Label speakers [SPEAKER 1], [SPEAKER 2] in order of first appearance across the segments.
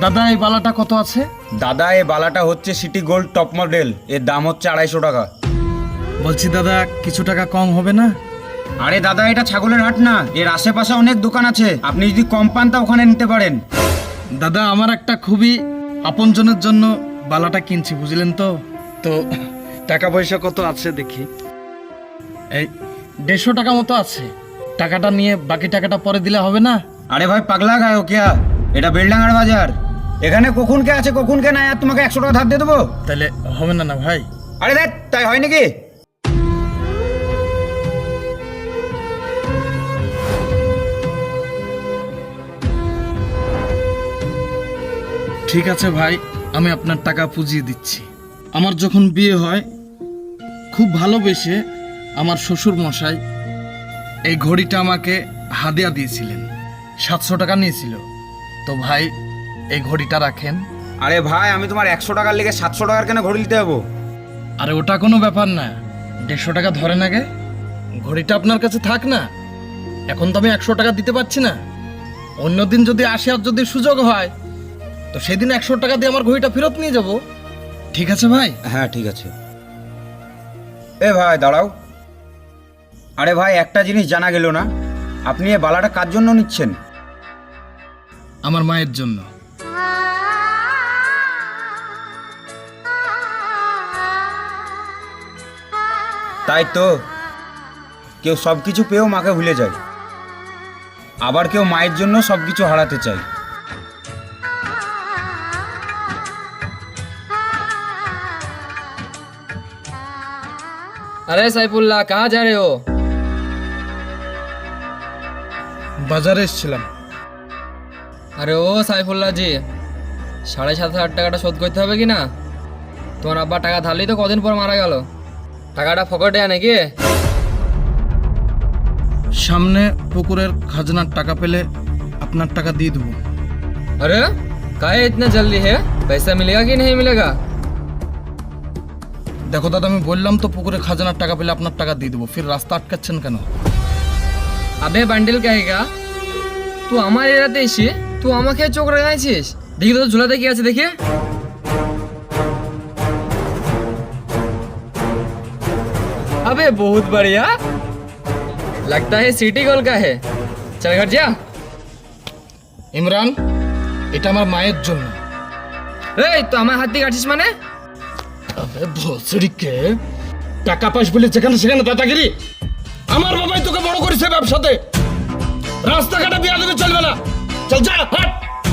[SPEAKER 1] দাদা এই বালাটা কত আছে?
[SPEAKER 2] দাদা এই বালাটা হচ্ছে সিটি গোল্ড টপ মডেল, এর দাম হচ্ছে 250 টাকা।
[SPEAKER 1] বলছি দাদা কিছু টাকা কম হবে না?
[SPEAKER 2] আরে দাদা এটা ছাগলের হাট না, এর আশেপাশে অনেক দোকান আছে, আপনি যদি কম পান তা ওখানে নিতে পারেন।
[SPEAKER 1] দাদা আমার একটা খুবই আপনজনের জন্য বালাটা কিনছি, বুঝলেন তো? তো টাকা পয়সা কত আছে দেখি। এই 150 টাকা মতো আছে। টাকাটা নিয়ে বাকি টাকাটা পরে দিলে হবে না?
[SPEAKER 2] আরে ভাই পাগলা গায়ো কিয়া, এটা বেলডাঙ্গার বাজার, এখানে কখন কে আছে কখন কে নাই, আর তোমাকে 100 টাকা ধার দিয়ে দেবো?
[SPEAKER 1] তাহলে হবে না না ভাই?
[SPEAKER 2] আরে দেখ তাই হয় নাকি?
[SPEAKER 1] ঠিক আছে ভাই, আমি আপনার টাকা পুজিয়ে দিচ্ছি। আমার যখন বিয়ে হয় খুব ভালোবেসে আমার শ্বশুর মশাই এই ঘড়িটা আমাকে হাদিয়া দিয়েছিলেন, 700 টাকা নিয়েছিল। তো ভাই এই ঘড়িটা রাখেন।
[SPEAKER 2] আরে ভাই আমি তোমার 100 টাকার লেগে 700 টাকার কেন ঘড়ি দিতে যাবো?
[SPEAKER 1] আরে ওটা কোনো ব্যাপার না, 150 টাকা ধরেন আগে, ঘড়িটা আপনার কাছে থাক না। এখন তো আমি 100 টাকা দিতে পারছি না, অন্যদিন যদি আসে আর যদি সুযোগ হয় তো সেদিন 100 টাকা দিয়ে আমার ঘড়িটা ফেরত নিয়ে যাব। ঠিক আছে ভাই?
[SPEAKER 2] হ্যাঁ ঠিক আছে। এ ভাই দাঁড়াও। আরে ভাই একটা জিনিস জানা গেল না, আপনি এই বালাটা কার জন্য নিচ্ছেন?
[SPEAKER 1] আমার মায়ের জন্য।
[SPEAKER 2] তাই তো, কেউ সব কিছু পেয়েও মাকে ভুলে যায়, আবার কেউ মায়ের জন্য সব কিছু হারাতে চায়।
[SPEAKER 3] अरे सैफुल्लाह कहाँ जा रहे हो?
[SPEAKER 1] বাজারে এসেছিলাম।
[SPEAKER 3] আরে ও সাইফুল্লাহ জি, 7,500 টাকাটা শোধ করতে হবে কি না? তোমার আব্বা টাকা ধারলেই তো কদিন পর মারা গেল, টাকাটা ফকটে নাকি?
[SPEAKER 1] সামনে পুকুরের খাজনার টাকা পেলে আপনার টাকা দিয়ে দেবো।
[SPEAKER 3] अरे काहे इतना जल्दी है, पैसा मिलेगा कि नहीं मिलेगा?
[SPEAKER 1] দেখো দাদা, আমি বললাম তো পুকুরে খাজনার টাকা পেলে আপনার টাকা দিয়ে দেবো, ফির রাস্তা আটকাচ্ছেন কেন?
[SPEAKER 3] আবে বান্ডেল কাহেগা, তুই আমার এরাতে এসে তুই আমাকে চোখ রাঙাইছিস? দেখি তো ঝুলাতে কি আছে দেখে। अबे बहुत बढ़िया, लगता है सिटी गोल का है, चल घर जा।
[SPEAKER 1] ইমরান, এটা আমার মায়ের জন্য।
[SPEAKER 3] এই তো আমার হাত দিয়ে কাটছিস মানে?
[SPEAKER 1] আবে ভোসড়িকে, টাকা পাস বলে যেখানে সেখানে দাদাগিরি। আমার বাবাই তোকে বড় করেছে ব্যবসাতে, রাস্তাঘাটে বিয়া দেবে চলবে না। চল যা, হাট।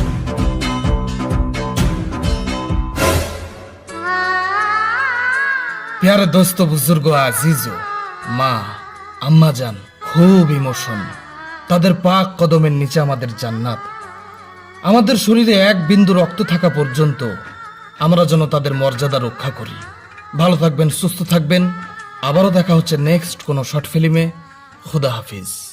[SPEAKER 1] প্যারে দোস্ত বুজুর্গ আজিজো, মা আম্মা জান, খুব ইমোশন। তাদের পাক কদমের নিচে আমাদের জান্নাত। আমাদের শরীরে এক বিন্দু রক্ত থাকা পর্যন্ত আমরা যেন তাদের মর্যাদা রক্ষা করি। ভালো থাকবেন, সুস্থ থাকবেন। আবারও দেখা হচ্ছে নেক্সট কোনো শর্ট ফিল্মে। খুদা হাফিজ।